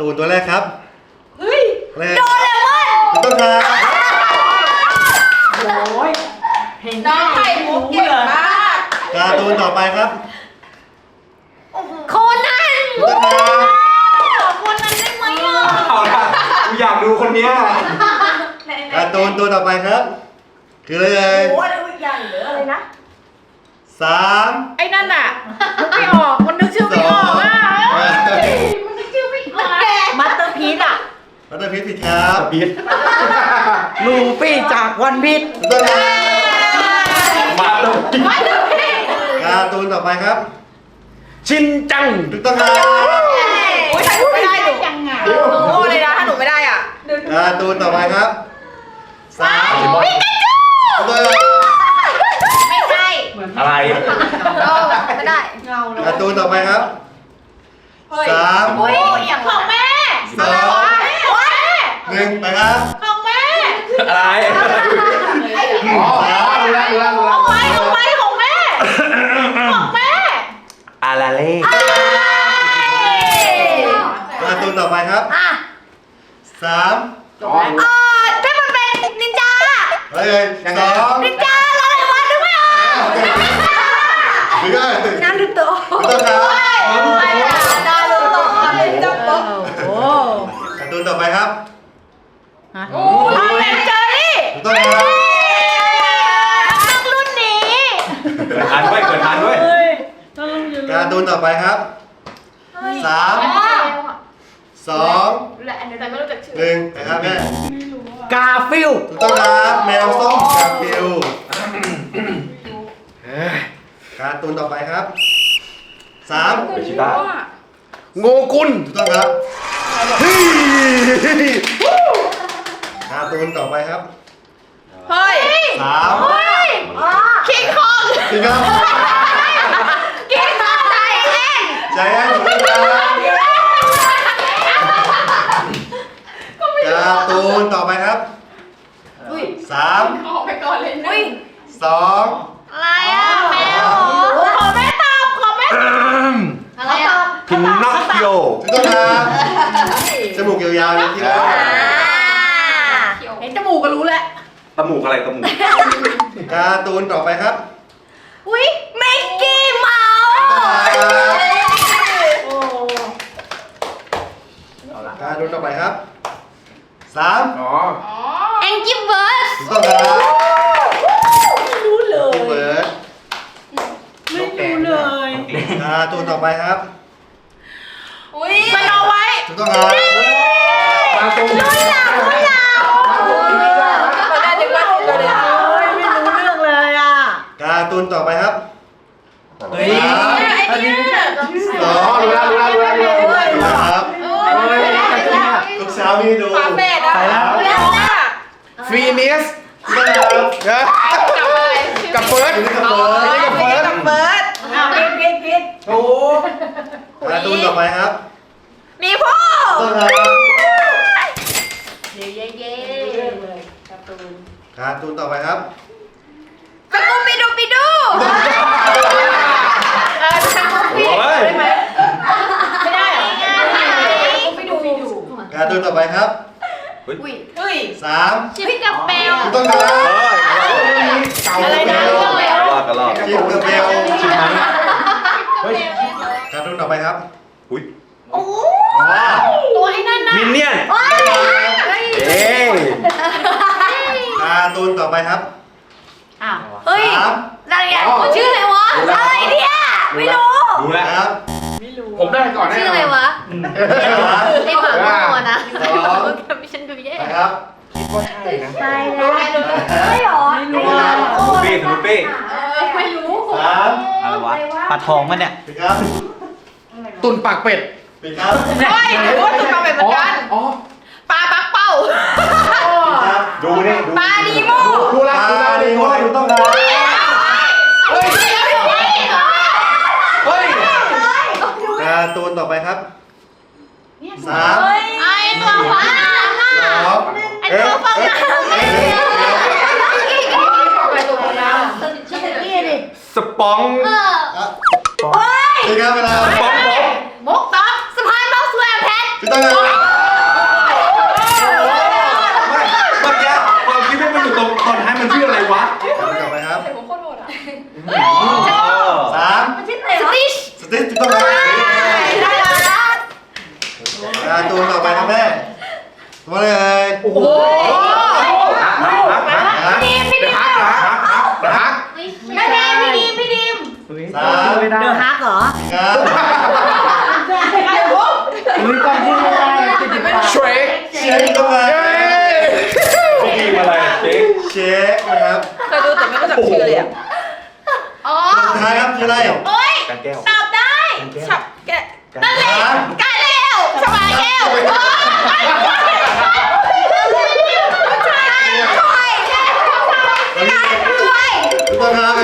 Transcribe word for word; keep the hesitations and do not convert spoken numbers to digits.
ตูนตัวแรกครับเฮ้ยโดเรมอนถูกต้องครับโอ้ยน้องไข่มุกเก่งมากการ์ตูนต่อไปครับโคนันถูกต้องครับโคนันได้ไหมอ่ะเอาละกูอยากดูคนนี้การ์ตูนตัวต่อไปครับคืออะไรเลยโอ้ยใหญ่เหลืออะไรนะสามไอ้นั่นอ่ะนึกไม่ออกมันนึกชื่อไม่ออกอ่ะมันนึกชื่อไม่ออกมัตเตอร์พีซอ่ะมัตเตอร์พีซผิดครับพีทลูฟี่จากวันพีซถูกต้องครับมาตรงนี้การ์ตูนต่อไปครับชินจังถูกต้องครับโอ้ยถ้าหนูไม่ได้หนูหนูโง่เลยนะถ้าหนูไม่ได้อ่ะการ์ตูนต่อไปครับสามปิกาจูไม่ใช่อะไรไม่ได้การ์ตูนต่อไปครับสามของแม่สองหนึ่งไปครับของแม่อะไรอ๋อรู้แล้วรู้แล้วรู้แล้วของไว้ของไว้ของแม่ของแม่อาราเล่การ์ตูนต่อไปครับสามอ๋อถ้ามันเป็นนินจาเฮ้ยสองนินจาอะไรวะนึกไม่ออกหรือไงน้ำดูโตถูกต้องครับน้ำดูโตจับปุ๊บโอ้การ์ตูนต่อไปครับโอ้ทำเป็นเจอรี่ถูกต้องครับตั้งรุ่นนี้เกิดทันด้วยเกิดทันด้วยการ์ตูนต่อไปครับสามสองหนึ่งนะครับแม่กาฟิลถูกต้องครับแมวส้มกาฟิลการ์ตูนต่อไปครับสามชิต้าโงกุลถูกต้องครับการ์ตูนต่อไปครับเฮ้ยสามคิงคองจริงครับคิงคองใจแอนใจแอนถูกต้องครับการ์ตูนต่อไปครับสามออกไปก่อนเลยนะสองอะไรอ่ะแมวขอแม่ตอบขอแม่อะไรอ่ะพินน็อกคิโอถูกต้องครับจมูกยาวๆนี่ที่แล้วเห็นจมูกก็รู้แล้วตมูกอะไรตมูกการ์ตูนต่อไปครับอุ้ยมิกกี้เมาส์การ์ตูนต่อไปครับสามอ๋อแองกี้เบิร์ดถูกต้องครับรู้เลยเบิร์ดไม่รู้เลยการ์ตูนต่อไปครับอุ้ยมันเอาไว้ถูกต้องครับมาตรงนี้รู้แล้วรู้แล้วตอนแรกนึกว่าตัวเดียวไม่รู้เรื่องเลยอ่ะการ์ตูนต่อไปครับเฮ้ยไอ้เนี่ยสองรู้แล้วรู้แล้วรู้แล้วรู้แล้วครับทุกเช้าพี่ดูฝาแฝดอ่ะรู้แล้วอ่ะฟีเนียสกับเฟิร์สกับเฟิร์สกับเฟิร์สกับเฟิร์สอ้าวพิดพิดพิดโอ้การ์ตูนต่อไปครับมีพ่อต้องครับเย้เย้เย้การ์ตูนการ์ตูนต่อไปครับสกูปิดูปิดูเออสกูปิได้ไหมไม่ได้เหรอสกูปิดูปิดูการ์ตูนต่อไปครับอุ้ยอุ้ยสามชิปกับเบลต้องครับอะไรนะกระลอกกระลอกชิปกับเบลชิปนั้นเฮ้ยการ์ตูนต่อไปครับอุ้ยโอ้ตัวไอ้นั่นนะมินเนี่ยนเอ้การ์ตูนต่อไปครับอ้าวเฮ้ยอะไรอ่ะชื่ออะไรวะอะไรเนี่ยไม่รู้รู้แล้วครับผมได้ก่อนแน่ชื่ออะไรวะไอ้หมาโง่นะไม่ฉันดูแย่ครับคิดว่าใช่นะไปแล้วไม่หรอไม่รู้สนุปปี้สนุปปี้ไม่รู้สามอะไรวะปลาทองมันเนี่ยปิดครับตุนปากเป็ดปิดครับใช่โอ้ตุนปากเป็ดเหมือนกันปลาปักเป้าดูนี่ปลาดีโมดูแลดูแลดีโมถูกต้องครับเฮ้ยเฮ้ยการ์ตูนต่อไปครับสามไอตัวฟ้าสองไอตัวฟ้าสปองปิดครับเวลามกต๊อกสะพานบ็อกซ์แวร์แพทถูกต้องครับตัวต่อไปครับใส่ผมโคตรโหดอ่ะสามมันชื่ออะไรวะสติชสติ๊กถูกต้องครับ การ์ตูนต่อไปครับแม่ตัวอะไรเอ่ยโอ้โหฮักพี่ดีมพี่ดีมฮักฮักฮักไม่ใช่พี่ดีมพี่ดีมสามเดอะฮักเหรอครับมีความชื่ออะไรจะจิบปากเชคเช็คถูกต้องครับทีมอะไรเชคเช็คนะครับเคยดูแต่ไม่รู้จักชื่อเลยอ่ะอ๋อสุดท้ายครับชื่ออะไรโอ๊ยกันแก้วตอบได้ฉับแกะสามกาเร็วสบายแก้วโอ๊ยช่วยช่วยช่วยช่วยถูกต้องครับ